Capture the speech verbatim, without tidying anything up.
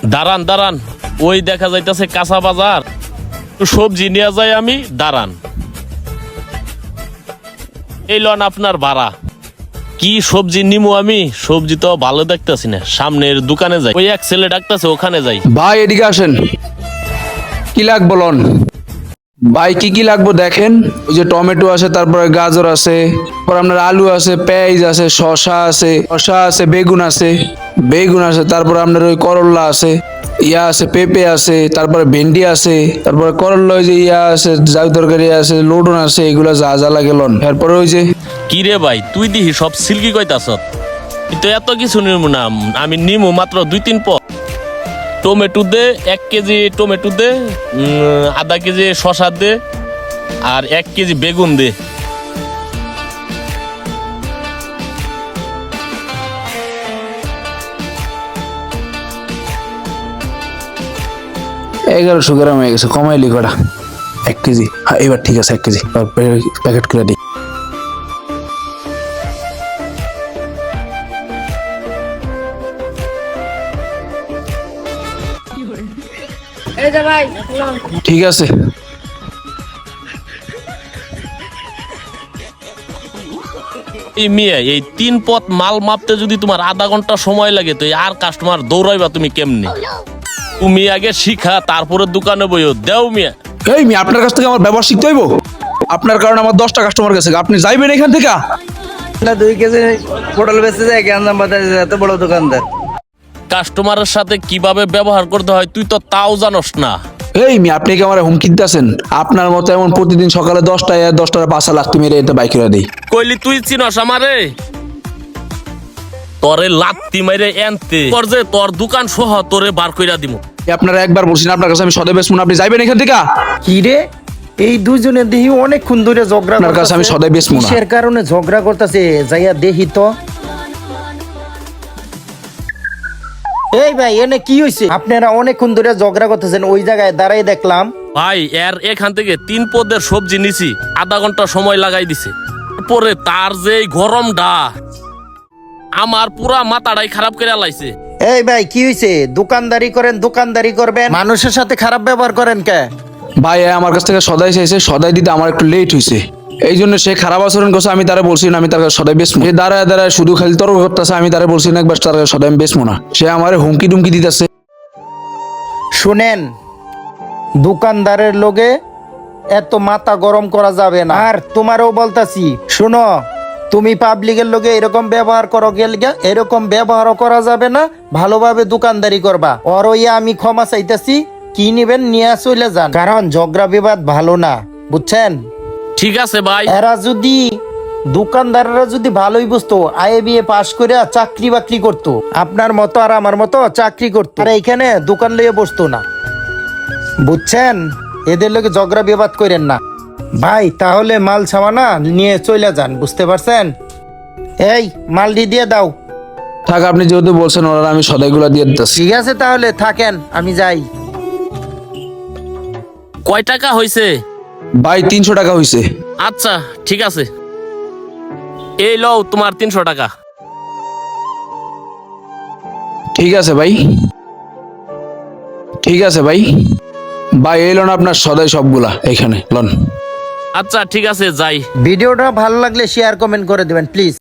দাঁড়ান দাঁড়ান, ওই দেখা যাইতেছে কাঁচা বাজার, সবজি নিয়ে যাই আমি। দাঁড়ান, এই লন আপনার ভাড়া। কি সবজি নিমু আমি? সবজি তো ভালো দেখতেছি না, সামনের দোকানে যাই, ওই এক ছেলে ডাকতেছে, ওখানে যাই। ভাই এদিকে আসেন, কি লাগবো লন? ভাই কি কি লাগবো দেখেন, ওই যে টমেটো আছে, তারপরে গাজর আছে, তারপর আপনার আলু আছে, পেঁয়াজ আছে, শসা আছে, শসা আছে, বেগুন আছে, বেগুন আছে, তারপরে আপনার ওই করলা আছে, ইয়া আছে, পেঁপে আছে, তারপরে ভেন্ডি আছে, তারপরে করলা ওই যে ইয়া আছে, জাউ তরকারি আছে, লডুন আছে, এগুলো যা যা লাগে লন। এরপরে ওই যে কি রে ভাই, তুই দিহি সব সিল্কি কইতাছ, কিন্তু এত কিছু নিমু না আমি, নিমু মাত্র দুই তিন পদ। টমেটো দে এক কেজি, টমেটো দে উম, আধা কেজি শসা দে, আর এক কেজি বেগুন দে। এগারোশো গ্রাম হয়ে গেছে, কমাইলি কটা? এক কেজি, হ্যাঁ এবার ঠিক আছে, এক কেজি প্যাকেট করে দিই। ঠিক আছে। এই মিয়া, এই তিন পথ মাল মাপতে যদি তোমার আধা ঘন্টা সময় লাগে, তো আর কাস্টমার দৌড়াইবা তুমি কেমনে? তুমি আগে শিখা, তারপরে দোকানে বইও দেও মিয়া। এই মি আপনার কাছ থেকে আমার ব্যবহার শিখতে হইব? আপনার কারণে আমার দশটা কাস্টমার গেছে, আপনি যাইবেন এখান থেকে? না দুই কেজি পটল বেচতে যায় গ্যাঞ্জাম বাজারে, এত বড় দোকানদার। কাস্টমারের সাথে কিভাবে ব্যবহার করতে হয় তুই তো তাও জানোস না। এই মি আপনি কি আমার হুমকি দিতেছেন? আপনার মতো এমন প্রতিদিন সকালে দশটায় দশটার পাঁচা লাখ মেরে এটা বাইক করে দিই। কইলি তুই চিনস আমারে? তোরে লাত্তি মাইরে এনতে তোর যে তোর দোকান সহ তোরে বার কইরা দিমু। আপনারা একবার বলছেন আপনার কাছে আমি সদয় বেচবো না, আপনি যাইবেন এখান থেকে? কি রে, এই দুইজনের দেহি অনেকক্ষণ ধরে ঝগড়া আপনার কাছে আমি সদাই বেচবো না। কিসের কারণে ঝগড়া করতেছে যাইয়া দেখি তো। এই ভাই এনে কি হইছে? আপনারা অনেকক্ষণ ধরে ঝগড়া করতেছেন, ওই জায়গায় দাঁড়াই দেখলাম। ভাই এর এখান থেকে তিন পদের সবজি নিছি, আধা ঘন্টা সময় লাগাই দিছে। পরে তার যে গরমটা আমার পুরা মাথাটাই খারাপ করে লাইছে। এই ভাই কি হইছে? দোকানদারি করেন, দোকানদারি করবেন, মানুষের সাথে খারাপ ব্যবহার করেন কে? ভাই আমার কাছ থেকে সদাই চাইছে, সদাই দিতে আমার একটু লেট হয়েছে, এই জন্য সে খারাপ আচরণ করছে। আমি তারা বলছি না আমি তার কাছে সদাই বেচবো। সে দাঁড়ায় দাঁড়ায় শুধু খালি তর্ক করতেছে, আমি তারা বলছি না একবার তার কাছে সদাই আমি বেচবো না। সে আমার হুমকি টুমকি দিতেছে। শুনেন, দোকানদারের লোকে এত মাথা গরম করা যাবে না। আর তোমারও বলতাছি, শুনো, তুমি পাবলিকের লোকে এরকম ব্যবহার করো গেলগা, এরকম ব্যবহারও করা যাবে না। ভালোভাবে দোকানদারি করবা। ওর ইয়া আমি ক্ষমা চাইতেছি, কি নিবেন নিয়ে চলে যান, কারণ ঝগড়া বিবাদ ভালো না, বুঝছেন? ঠিক আছে ভাই। এরা যদি দোকানদাররা যদি ভালোই বুঝতো, আইএ বিএ পাশ করে চাকরি বাকরি করতো, আপনার মতো আর আমার মতো চাকরি করতো, আর এইখানে দোকান লইয়ে বসতো না, বুঝছেন? এদের লোকে ঝগড়া বিবাদ করেন না ভাই। তাহলে মাল সামানা নিয়ে চলে যান, বুঝতে পারছেন? এই মালটি দিয়ে দাও। থাক, আপনি যেহেতু বলছেন ওরা, আমি সদাইগুলা দিয়ে দিতেছি। ঠিক আছে তাহলে থাকেন, আমি যাই। কয় টাকা হইছে? ভাই তিনশো টাকা হয়েছে। আচ্ছা ঠিক আছে, এই লও তোমার তিনশো টাকা। ঠিক আছে ভাই, ঠিক আছে ভাই। ভাই এই লোন আপনার সদাই সবগুলা এখানে লন। আচ্ছা ঠিক আছে, যাই। ভিডিওটা ভালো লাগলে শেয়ার কমেন্ট করে দিবেন প্লিজ।